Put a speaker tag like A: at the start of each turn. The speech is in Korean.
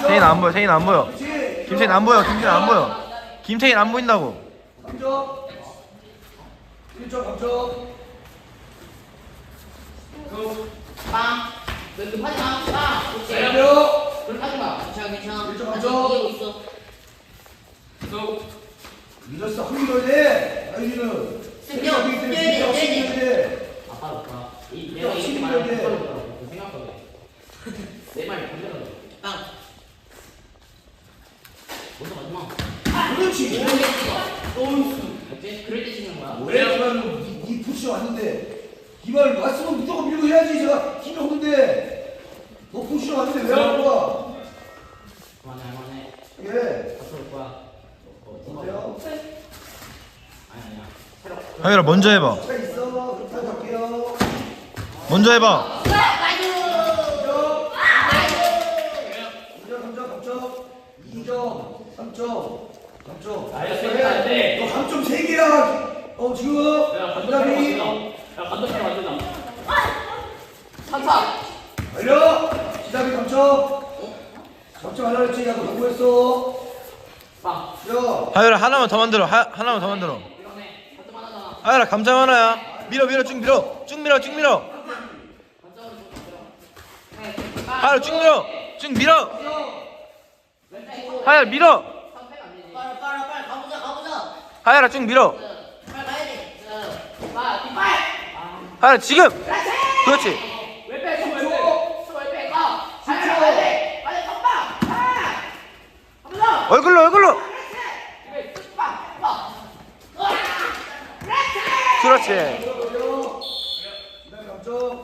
A: 세인 안 보여. 세인 안 보여. 김세인 안 보여. 김세인 안 보여. 김세인 안 보인다고.
B: 3점 1점 감점
C: 빵. 너 급하지 마. 빵. 그렇지.
B: 내려
C: 그럼 하지 마. 괜찮아, 괜찮아.
B: 일점
C: 아직
B: 감점.
C: 이기고 있어.
B: 늦었어 한번더 해. 아이는
C: 돼. 아빠 없다. 내가 이렇게
B: 신경
C: 말하면
B: 돼.
C: 그거라고 생각하고. 내 말이 반대로. 빵. 먼저 가지 마.
B: 그렇지
C: 어째? 그럴 때 치는 거야?
B: 왜 그러면 이 푸시 왔는데 이말 왔으면 무조건 밀고 해야지. 제가 힘이 없는데 너 푸시 왔는데 왜 안 와?
C: 그만해.
B: 예
C: 앞으로 올 거야.
B: 어때요?
C: 아니야. 새로.
A: 하율아 먼저 해봐.
B: 차 있어 그렇다고 갈게요.
A: 먼저 해봐.
B: 2점 3점 2점 3점 3점
C: 안 돼.
B: 너 감점 3개야 지금 부담이
C: 감독님 완전다. 3차.
B: 알려 시작이 감점 감점 하려고 했지. 야너 공부했어.
C: 빵.
B: 야
A: 하율아 하나만 더 만들어. 하나만 더 만들어.
C: 이러네. 감독 하나잖아.
A: 하율아 감점 하나야. 밀어 쭉 밀어. 쭉 밀어.
C: 감독으로 좀 만들어.
A: 하율아 쭉 밀어. 쭉 밀어. 하율아 밀어.
C: 빨리 가보자.
A: 하율아 쭉 밀어.
C: 빨리 가야 돼. 뒷발.
A: 하율아 지금. 그렇지.
C: 왼발 왼발 가. 가야 돼. 빨리 컴바. 한번 더.
A: 얼굴로. 그렇지.
B: 감점